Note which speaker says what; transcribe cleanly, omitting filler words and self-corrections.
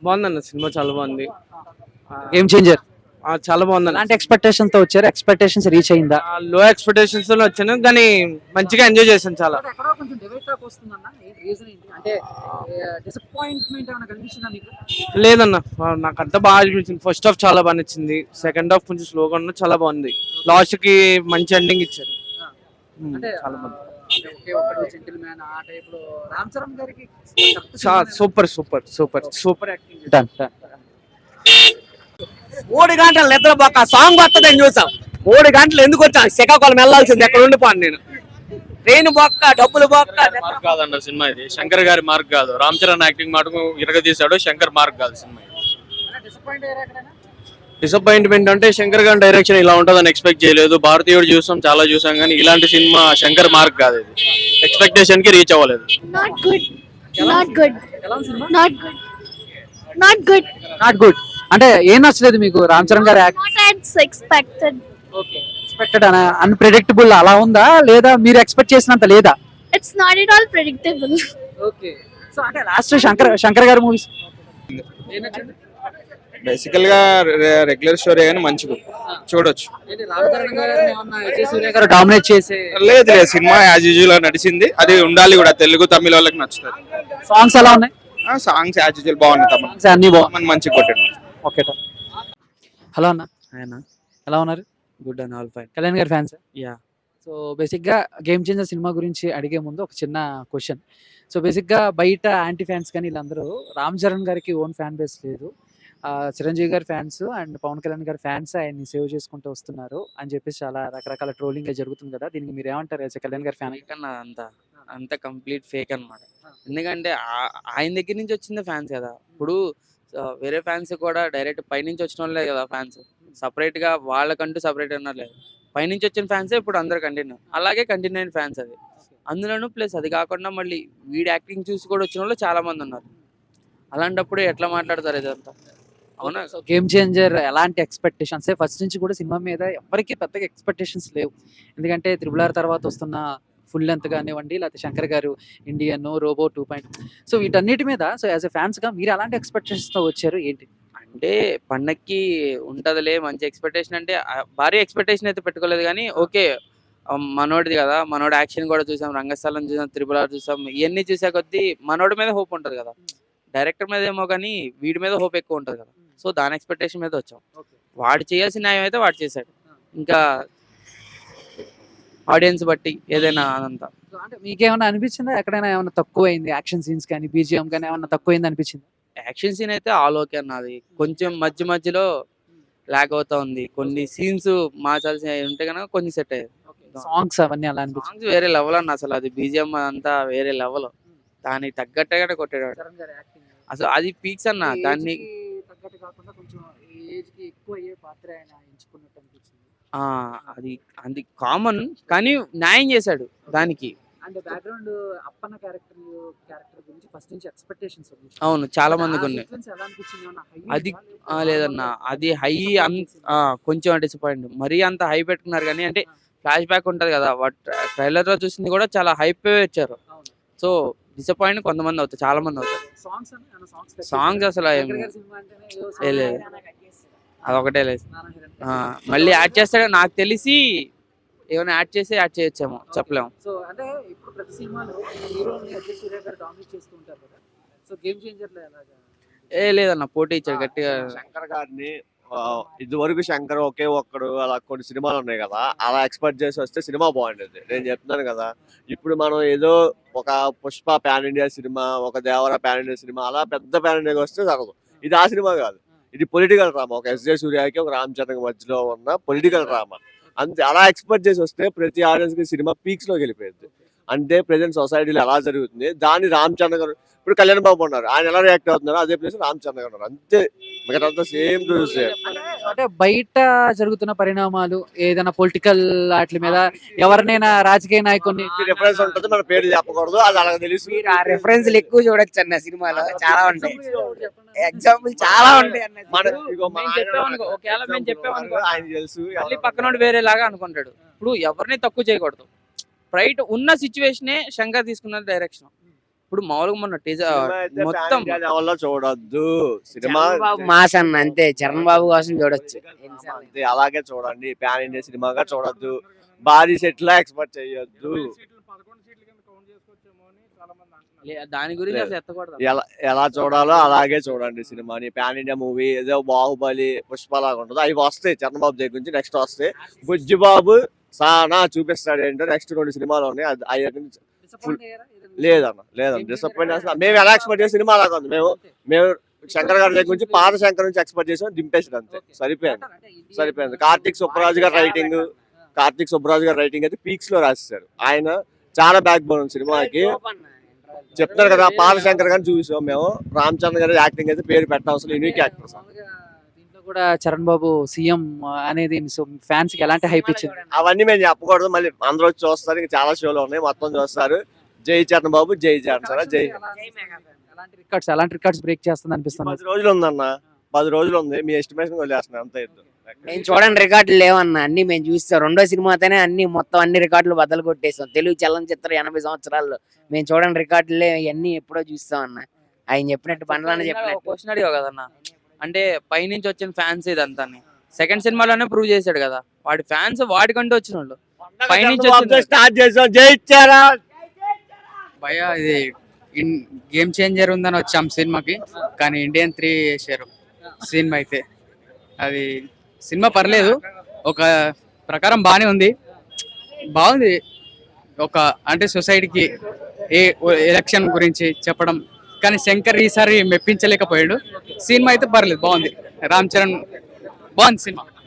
Speaker 1: బాగుందన్న సినిమా చాలా బాగుంది.
Speaker 2: Game Changer.
Speaker 1: చాలా బాగుందన్న.
Speaker 2: అలాంటి ఎక్స్పెక్టేషన్స్ తో వచ్చారు, ఎక్స్పెక్టేషన్స్ రీచ్ అయిందా?
Speaker 1: లో ఎక్స్పెక్టేషన్స్ తో వచ్చాను కానీ మంచిగా ఎంజాయ్ చేశాను చాలా.
Speaker 2: ఎక్కడో కొంచెం డివైడ్ టాక్ వస్తుందన్న, రీజన్ ఏంటి అంటే డిసప్పాయింట్మెంట్ ఏమైనా కనిపించిందా మీకు?
Speaker 1: లేదన్న, నాకు అంతా బాగా అనిపించింది. ఫస్ట్ హాఫ్ చాలా బాగా నచ్చింది, సెకండ్ హాఫ్ కొంచెం స్లోగా ఉన్న చాలా బాగుంది. లాస్ట్ కి మంచి ఎండింగ్ ఇచ్చారు.
Speaker 2: అంటే
Speaker 1: చాలా బాగుంది.
Speaker 2: ఒకే ఒక్కడు జెంటిల్‌మ్యాన్ ఆ టైప్ లో రామ్ చరణ్ గారికి
Speaker 1: super super super super acting.
Speaker 2: Done done.
Speaker 1: 3 గంటలు నిద్రపోక సాంగ్ వస్తుందని చూసాం. 3 గంటలు ఎందుకు వచ్చాను? శ్రీకాకుళం వెళ్ళాల్సింది, ఎక్కడ ఉండిపోను నేను. ట్రైన్ బొక్క, డబ్బులు బొక్క.
Speaker 3: మార్క్ కాదన్న సినిమా ఇది, శంకర్ గారి మార్క్ కాదు. రామ్ చరణ్ యాక్టింగ్ మటుకు ఇరగదీశాడు, శంకర్ మార్క్ కాదు సినిమా.
Speaker 2: డిసప్పాయింట్ అయ్యారా ఎక్కడైనా?
Speaker 3: డిసప్పాయింట్మెంట్ అంటే శంకర్ గారి డైరెక్షన్ ఇలా ఉంటుందని ఎక్స్పెక్ట్ చేయలేదు. భారతీయుడు చూసాం, చాలా చూసాం, కానీ ఇలాంటి సినిమా శంకర్ మార్క్ కాదు. ఇది ఎక్స్పెక్టేషన్ కి రీచ్ అవ్వలేదు.
Speaker 4: Not good. Not good.
Speaker 2: ఎలా ఉంది సినిమా?
Speaker 4: Not good. Not good.
Speaker 2: Not good. అంటే ఏం నచ్చలేదు మీకు రామ్ చరణ్ గారి act?
Speaker 4: Not as expected.
Speaker 2: Okay, expected unpredictable అలా ఉందా, లేదా మీరు ఎక్స్పెక్ట్ చేసినంత లేదా?
Speaker 4: It's not at all predictable.
Speaker 2: Okay. So అంటే లాస్ట్ శంకర్ గారి మూవీస్ ఏం నచ్చింది?
Speaker 5: బేసికల్ గా రెగ్యులర్ స్టోరీ కానీ మంచిగా చూడొచ్చు.
Speaker 2: రామ్ చరణ్ గారిని ఏమన్నా విజయ్ సూర్య గారు డామినేట్ చేసే
Speaker 5: లేదు లేదు, సినిమా యాజ్ యూజువల్ నడిచింది. అది ఉండాలి కూడా, తెలుగు తమిళ వాళ్ళకి నచ్చుతుంది.
Speaker 2: సాంగ్స్ ఎలా ఉన్నాయి?
Speaker 5: సాంగ్స్ యాజ్ యూజువల్ బాగున్నాయి.
Speaker 2: సాంగ్స్ అన్ని బాగున్నాయి.
Speaker 5: మంచిగా కొట్టాడు.
Speaker 2: ఓకే. హలో అన్న,
Speaker 1: ఆయన
Speaker 2: ఎలా ఉన్నారు?
Speaker 1: Good and all fine.
Speaker 2: Kalyan గారి ఫ్యాన్స్.
Speaker 1: యా.
Speaker 2: సో బేసిక్గా గేమ్ చేంజర్ సినిమా గురించి అడిగే ముందు ఒక చిన్న క్వశ్చన్. సో బేసిక్గా బయట యాంటీ ఫ్యాన్స్ కానీ వీళ్ళందరూ రామ్ చరణ్ గారికి ఓన్ ఫ్యాన్ బేస్ లేదు, చిరంజీవి గారి ఫ్యాన్స్ అండ్ పవన్ కళ్యాణ్ గారి ఫ్యాన్స్ ఆయన్ని సేవ్ చేసుకుంటూ వస్తున్నారు అని చెప్పేసి చాలా రకరకాల ట్రోలింగ్ జరుగుతుంది కదా, దీనికి మీరు ఏమంటారు యాజ్ కళ్యాణ్ గారి ఫ్యాన్?
Speaker 1: కన్నా అంత కంప్లీట్ ఫేక్ అన్నమాట. ఎందుకంటే ఆయన దగ్గర నుంచి వచ్చింది ఫ్యాన్స్ కదా. ఇప్పుడు వేరే ఫ్యాన్స్ కూడా డైరెక్ట్ పైనుంచి వచ్చిన వాళ్ళే కదా ఫ్యాన్స్. సపరేట్ గా వాళ్ళకంటూ సపరేట్ అన్నారు లేదు, పైనుంచి వచ్చిన ఫ్యాన్సే ఇప్పుడు అందరు కంటిన్యూ, అలాగే కంటిన్యూ అయిన ఫ్యాన్స్ అది. అందులోనూ ప్లస్ అది కాకుండా మళ్ళీ వీడి యాక్టింగ్ చూసి కూడా వచ్చిన వాళ్ళు చాలా మంది ఉన్నారు. అలాంటప్పుడు ఎట్లా మాట్లాడతారు ఇదంతా? అవునా?
Speaker 2: సో గేమ్ చేంజర్ ఎలాంటి ఎక్స్పెక్టేషన్స్? ఫస్ట్ నుంచి కూడా సినిమా మీద ఎవరికి పెద్దగా ఎక్స్పెక్టేషన్స్ లేవు, ఎందుకంటే RRR తర్వాత వస్తున్న ఫుల్ లెంత్ కానివ్వండి, లేకపోతే శంకర్ గారు ఇండియన్ రోబో 2. సో వీటన్నిటి మీద సో యాజ్ ఎ ఫ్యాన్స్ గా మీరు ఎలాంటి ఎక్స్పెక్టేషన్స్ తో వచ్చారు ఏంటి?
Speaker 1: అంటే పండక్కి ఉంటదిలే మంచి ఎక్స్పెక్టేషన్, అంటే భారీ ఎక్స్పెక్టేషన్ అయితే పెట్టుకోలేదు కానీ ఓకే, మనోడిది కదా, మనోడు యాక్షన్ కూడా చూసాం, రంగస్థలం చూసాం, RRR చూసాం, ఇవన్నీ చూసా కొద్దీ మనోడి మీద హోప్ ఉంటది కదా. డైరెక్టర్ మీద ఏమో కానీ వీడి మీద హోప్ ఎక్కువ ఉంటది కదా. సో దాని ఎక్స్పెక్టేషన్ మీద వచ్చాం. వాడు చేయాల్సిన న్యాయం అయితే వాడు చేశాడు, ఇంకా ఆడియన్స్ బట్టి ఏదైనా అదంతా.
Speaker 2: సో అంటే మీకేమైనా అనిపించిందా ఎక్కడైనా ఏమైనా తక్కువైంది, యాక్షన్ సీన్స్ కానీ BGM కానీ ఏమైనా తక్కువైంది అనిపించింది?
Speaker 1: యాక్షన్ సీన్ అయితే ఆల్ ఓకే అన్నది, కొంచెం మధ్యలో లాగ్ అవుతా ఉంది. కొన్ని సీన్స్ మార్చాల్సి ఉంటే కనుక కొన్ని సెట్ అయ్యేది.
Speaker 2: సాంగ్స్ అవన్నీ అలా అనిపించింది?
Speaker 1: సాంగ్స్ వేరే లెవెల్ అన్న, అసలు అది BGM అంతా వేరే లెవెల్, దానికి తగ్గట్టుగానే కొట్టాడు అసలు. అది పీక్స్ అన్న. దాన్ని
Speaker 2: తగ్గట్టు కాకుండా కొంచెం ఏజ్ కి ఎక్కువ అయ్యే పాత్ర ఆయన ఎంచుకున్నట్టు అనిపించింది.
Speaker 1: అది కామన్ కానీ న్యాయం చేశాడు దానికి.
Speaker 2: అండ్ బ్యాక్గ్రౌండ్ అప్పన్న క్యారెక్టర్ గురించి ఫస్ట్ నుంచి ఎక్స్పెక్టేషన్స్ ఉన్నాయి.
Speaker 1: అవును, చాలా మందికి ఉన్నాయి.
Speaker 2: ఎలా అనిపించింది?
Speaker 1: అది లేదన్న, అది హై కొంచెం డిసప్పాయింట్. మరీ అంత హై పెట్టుకున్నారు కానీ, అంటే ఫ్లాష్ బ్యాక్ ఉంటది కదా, ట్రైలర్ లో చూసింది కూడా చాలా హైప్ వచ్చారు. సో డిసప్పాయింట్ కొంతమంది అవుతారు, చాలా మంది అవుతారు. సాంగ్స్ అసలు లేదు, అదొకటే లేదు. మళ్ళీ యాడ్ చేస్తాడో నాకు తెలిసి, ఏమైనా యాడ్ చేయొచ్చేమో చెప్పలేము.
Speaker 2: సో అంటే ఇప్పుడు ప్రతి సినిమాలో హీరోని విజయ్ సూర్య గారు డామినేట్ చేస్తూ ఉంటారు కదా, సో గేమ్ చేంజర్ లో ఎలాగా?
Speaker 1: లేదన్న, పోటీ ఇచ్చాడు గట్టిగా.
Speaker 6: శంకర్ గారిని ఇది వరకు శంకర్ ఒకే ఒక్కడు అలా కొన్ని సినిమాలు ఉన్నాయి కదా, అలా ఎక్స్పెక్ట్ చేసి వస్తే సినిమా బాగుండేది. నేను చెప్తున్నాను కదా, ఇప్పుడు మనం ఏదో ఒక పుష్ప పాన్ ఇండియా సినిమా, ఒక దేవర పాన్ ఇండియా సినిమా, అలా పెద్ద పాన్ ఇండియాకి వస్తే జరగదు. ఇది ఆ సినిమా కాదు, ఇది పొలిటికల్ డ్రామా. ఒక ఎస్జే సూర్యకి ఒక రామ్ చరణ్ మధ్యలో ఉన్న పొలిటికల్ డ్రామా. అంతే, అలా ఎక్స్పెక్ట్ చేసి వస్తే ప్రతి ఆడియన్స్ కి సినిమా పీక్స్ లోకి వెళ్ళిపోయింది. అంటే ప్రెసెంట్ సొసైటీలో ఎలా జరుగుతుంది దాన్ని రామ్ చరణ్ గారు, ఇప్పుడు కళ్యాణ్ బాబు ఉన్నారు, ఆయన ఎలా రియాక్ట్ అవుతున్నారు అదే ప్లేస్ రామ్ చరణ్ గారు ఉన్నారు. అంతే, మిగతా సేమ్ టు సేమ్.
Speaker 2: అంటే బయట జరుగుతున్న పరిణామాలు ఏదైనా పొలిటికల్ వాటి మీద ఎవరినైనా రాజకీయ నాయకుడిని
Speaker 6: రిఫరెన్స్ ఉంటుంది, మన పేరు చెప్పకూడదు, అది అలా తెలుసు.
Speaker 7: ఆ రిఫరెన్స్ ఎక్కువ చూడొచ్చు అన్న సినిమాలో, చాలా ఉంటాయి ఎగ్జాంపుల్, చాలా ఉంటాయి అన్న.
Speaker 6: ఆయన తెలుసు,
Speaker 1: మళ్ళీ పక్కనోడు వేరేలాగా అనుకుంటాడు. ఇప్పుడు ఎవరిని తక్కువ చేయకూడదు. రైట్ ఉన్న సిచ్యువేషనే శంకర్ తీసుకున్న డైరెక్షన్. ఇప్పుడు మామూలుగా మొన్న టీజర్
Speaker 6: సినిమా అయితే
Speaker 1: మొత్తం
Speaker 6: pan India level లో చూడొద్దు సినిమా
Speaker 7: చరణ్ బాబు మాస్ అన్న అంతే, చరణ్ బాబు కోసం చూడొచ్చు.
Speaker 6: అంతే, అలాగే చూడండి. ప్యాన్ ఇండియా సినిమాగా చూడొద్దు, భారీ సెట్ లా ఎక్స్పెక్ట్ చేయొద్దు.
Speaker 1: దాని గురించి
Speaker 6: లేదు.
Speaker 1: అసలు ఎత్తకూడదు.
Speaker 6: ఎలా చూడాలో అలాగే చూడండి సినిమాని. ప్యాన్ ఇండియా మూవీ ఏదో బాహుబలి, పుష్ప లాగా ఉంటుంది. అవి వస్తాయి చరణ్ బాబు దగ్గర నుంచి, నెక్స్ట్ వస్తాయి. బుజ్జి బాబు సానా చూపిస్తాడు ఏంటో, నెక్స్ట్ 2 సినిమాలు ఉన్నాయి. లేదన్న డిసప్పాయింట్ అసలు. మేము ఎలా ఎక్స్పెక్ట్ చేసే సినిమా అలాగా ఉంది. మేము శంకర్ గారి దగ్గర నుంచి, పాత శంకర్ నుంచి ఎక్స్పెక్ట్ చేసాం, దింపేసాడు అంతే. సరిపోయింది. కార్తీక్ సుబ్బరాజు గారి రైటింగ్ అయితే పీక్స్ లో రాసేసారు. ఆయన చాలా బ్యాక్ బోన్ సినిమాకి. చెప్తారు కదా, పాత శంకర్ గారిని చూసాం మేము. రామ్ చరణ్ గారి యాక్టింగ్ అయితే పేరు పెట్టవలసిన యూనిక్ యాక్టర్.
Speaker 2: దీంట్లో కూడా చరణ్ బాబు సీఎం అనేది ఫ్యాన్స్ కి ఎలాంటి హైప్ ఇచ్చింది?
Speaker 6: అవన్నీ మేము చెప్పకూడదు, మళ్ళీ అందరూ వచ్చి చూస్తారు. ఇంకా చాలా షోలు ఉన్నాయి, మొత్తం చూస్తారు. జై చరణ్ బాబు, జై చరణ్ సార్, జై.
Speaker 2: అలాంటి రికార్డ్స్ బ్రేక్ చేస్తుంది అనిపిస్తుంది.
Speaker 6: 10 రోజులు ఉందన్న, 10 రోజులు ఉంది. మీ ఎస్టిమేషన్ వదిలేస్తున్నాను అంత ఎద్దు.
Speaker 7: మేము చూడండి రికార్డులు లేవన్న, అన్ని మేము చూస్తాం. 2వ సినిమాతోనే మొత్తం అన్ని రికార్డులు బద్దలు కొట్టేస్తాం. తెలుగు చలనచిత్రం 80 సంవత్సరాల్లో మేము చూడండి రికార్డులే ఇవన్నీ ఎప్పుడో చూస్తాం అన్న. ఆయన చెప్పినట్టు బండ్లన్న చెప్పినట్టు.
Speaker 1: క్వశ్చన్ అడిగావు కదన్న, అంటే పైనుంచి వచ్చిన ఫ్యాన్స్ ఇదంతా సెకండ్ సినిమాలోనే ప్రూవ్ చేశాడు కదా. వాడి ఫ్యాన్స్ వాడికంటూ వచ్చిన వాళ్ళు పైనుంచి
Speaker 6: స్టార్ట్ చేసాం. జై చరణ్.
Speaker 8: భయ ఇది గేమ్ చేంజర్ ఉందని వచ్చాం సినిమాకి, కానీ ఇండియన్ 3 వేసారు సినిమా అయితే. అది సినిమా పర్లేదు, ఒక ప్రకారం బాగానే ఉంది, బాగుంది. ఒక అంటే సొసైటీకి ఎలక్షన్ గురించి చెప్పడం, కానీ శంకర్ ఈసారి మెప్పించలేకపోయాడు. సినిమా అయితే పర్లేదు, బాగుంది. రామ్ చరణ్ బాగుంది సినిమా.